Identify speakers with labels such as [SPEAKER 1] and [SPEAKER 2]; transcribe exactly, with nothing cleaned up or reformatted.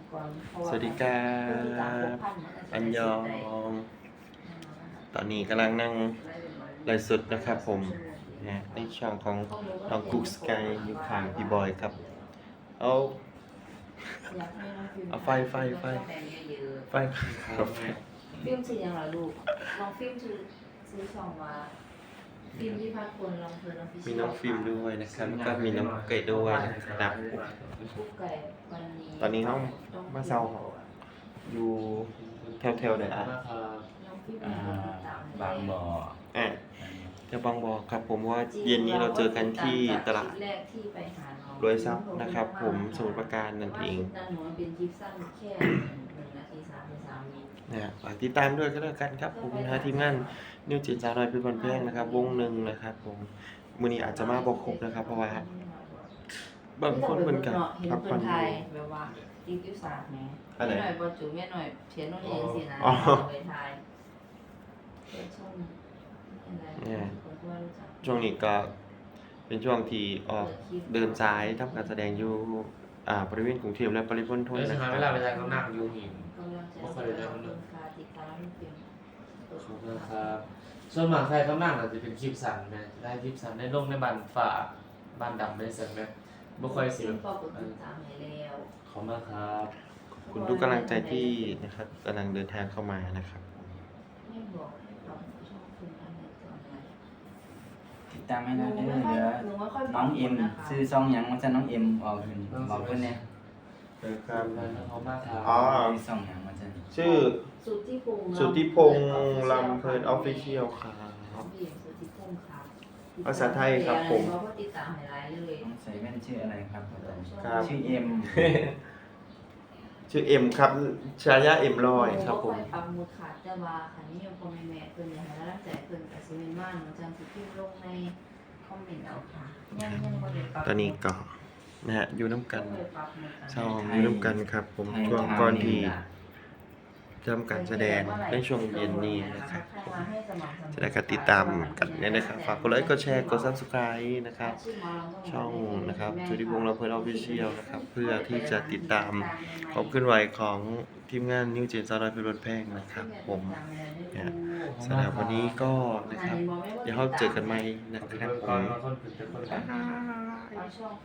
[SPEAKER 1] สวัสดีครับ อันยอง ตอนนี้กำลังนั่งไลฟ์สดนะครับผมนะในช่องของน้องกุ๊กสกายอยู่ข้างพี่บอยครับ เอาเอาไฟไฟไฟไฟเอาไฟ
[SPEAKER 2] ฟิล์มชื่อยังไงลูกลองฟิล์มชื่อซื้อช่องว่าฟิล์มที่พักคนลองเพลินลองฟิช
[SPEAKER 1] มีน้องฟิล์มด้วยนะครับแล้วก็มีน้องเกดด้วยนะครับ
[SPEAKER 2] กุ๊กไก่วันนี้
[SPEAKER 1] ตอนนี้น้องมาเซาอยู่แถวๆไหนอ่ะ
[SPEAKER 2] น้องฟิล์ม
[SPEAKER 3] อ่า
[SPEAKER 2] เป็นคนติดตาม
[SPEAKER 3] บางบ่อ
[SPEAKER 1] อ่ะจะบางบอกครับผมว่าเย็นนี้เราเจอกันที่ตลาด
[SPEAKER 2] แรกที่ไปหาน้อง
[SPEAKER 1] รวยทรัพย์นะครับผมสมุทรปราการนั่นเอง
[SPEAKER 2] นั่นหนูเป็นคลิปสั้นแค่หนึ่งนาทีสามสิบสามวิ
[SPEAKER 1] นะฮะฝากติดตามด้วยก็แล้วกันครับผมนะทีมงานนิวจิตสาวน้อยเพี่บอลแพงนะครับวงหนึ่งนะครับผมมื้อนี้อาจจะมาบ่ครบนะครับ เพราะว่าบางคนเหมือนกัน
[SPEAKER 2] เห็น
[SPEAKER 1] พัก
[SPEAKER 2] ค
[SPEAKER 1] ผ่อน
[SPEAKER 2] น
[SPEAKER 1] อ
[SPEAKER 2] ไท
[SPEAKER 1] ยู่
[SPEAKER 2] ยแบบว่าติ๊กติ๊กสากไง
[SPEAKER 1] อะไร
[SPEAKER 2] แม่หน่อยบอจูแม่หน่อยเขียนโน้ตเองสินะ
[SPEAKER 1] อ๋อ
[SPEAKER 2] ไปไทยเปิดช่องอะไร
[SPEAKER 1] เนี่ย
[SPEAKER 2] คนที่ว่ารู้จัก
[SPEAKER 1] ช่วงนี้ก็เป็นช่วงที่ออกเดินสายทำการแสดงอยู่อ่าบริเวณกรุงเทพและปริมณฑล
[SPEAKER 3] เอ้ย
[SPEAKER 1] นะ
[SPEAKER 3] ใช่
[SPEAKER 1] ค
[SPEAKER 3] ไหม
[SPEAKER 1] รับ
[SPEAKER 3] เวลาไปทางเขานั่งอยู่หิน
[SPEAKER 2] กำลังจะ
[SPEAKER 3] บ่ค่อยได้ทำเนอะ
[SPEAKER 2] คาติดตามเพียง
[SPEAKER 3] ขอบคุณครับส่วนมากใครเขานั่งอาจจะเป็นคลิปสั้นนะได้คลิปสั้นได้ลงในบ้านฝ่าบ้านดำได้เสร็จไหมบ่ค่อยสิ
[SPEAKER 2] ซึ่งปอกดติดตามให้แล้ว
[SPEAKER 3] ขอบคุณมากครับ
[SPEAKER 1] ขอบคุณทุกกำลังใจที่นะครับกำลังเดินทางเข้ามานะครับ
[SPEAKER 2] ไม่บอกให้เราชอบคุณอะไรตอนไหน
[SPEAKER 4] ติดตามให้
[SPEAKER 2] หนู
[SPEAKER 4] นะเด้อ
[SPEAKER 2] ไม่ค่อย
[SPEAKER 4] เดี๋ยว
[SPEAKER 2] หนูไม่ค่อยบ
[SPEAKER 4] น้
[SPEAKER 2] อ
[SPEAKER 4] อก ง
[SPEAKER 2] ค
[SPEAKER 4] เอ็
[SPEAKER 2] น
[SPEAKER 4] ม
[SPEAKER 2] นะคะ
[SPEAKER 4] ซื้อซองหยังมันจะน้องเอ็มออกขึ้นบอกเพิ่นเนี่ย
[SPEAKER 1] เออค
[SPEAKER 3] ข
[SPEAKER 1] รั
[SPEAKER 3] อบบ คุณมากครับ
[SPEAKER 1] อ๋อ
[SPEAKER 4] ซื้อซองหยังมันจะ
[SPEAKER 1] ชื่อ
[SPEAKER 2] สุทธิพงษ์
[SPEAKER 1] สุทธิพงษ์ลำเพลินออฟฟิเชียลครับ
[SPEAKER 2] พี่สุทธิพงษ์ครับ
[SPEAKER 1] ภาษาไทยครับผม
[SPEAKER 2] เพราะว่าติดตามให้หลายเลย
[SPEAKER 4] น้องใส่แว่นชื่ออะไรครับอาจารย์
[SPEAKER 1] ครับ
[SPEAKER 4] ชื่อเอ็ม
[SPEAKER 1] ชื่อเอ็มครับชายาเอ็มลอยครับผม
[SPEAKER 2] หนูก็อยปักหมุดขาดแต่ว่าคันนี้ยังพอแม่แม่เพิ่นอยากให้กำลังใจเพิ่นก็สิแม่นว่าหนูจังสิพิมพ์ลงในคอมเมนต์เอาค่ะยังยังบ่ได้ปรับ
[SPEAKER 1] ตอนนี้ก็นะฮะอยู่น้ำกัน
[SPEAKER 2] บ่ได้ปรับหมุดอัน
[SPEAKER 1] ช่องอยู่น้ำกันครับ ผมช่วงก่อนที่ทำการแสดงในช่วงเย็นนี้นะครับจะได้การติดตามกันเนี่ยนะครับฝากกดไลค์กดแชร์กด ซับสไครบ์ นะครับ ช่องนะครับสุทธิพงษ์ลำเพลินออฟฟิเชียลนะครับเพื่อที่จะติดตามความเคลื่อนไหวของทีมงานนิวเจนซาวน้อยเพี่บอลแพงนะครับผมเนี่ยสำหรับวันนี้ก็นะครับเดี๋ยวเราเจอกันใหม่นะครับผ
[SPEAKER 3] ก่อน
[SPEAKER 1] ม
[SPEAKER 3] มาคนเป็นคน
[SPEAKER 2] เอาช่อง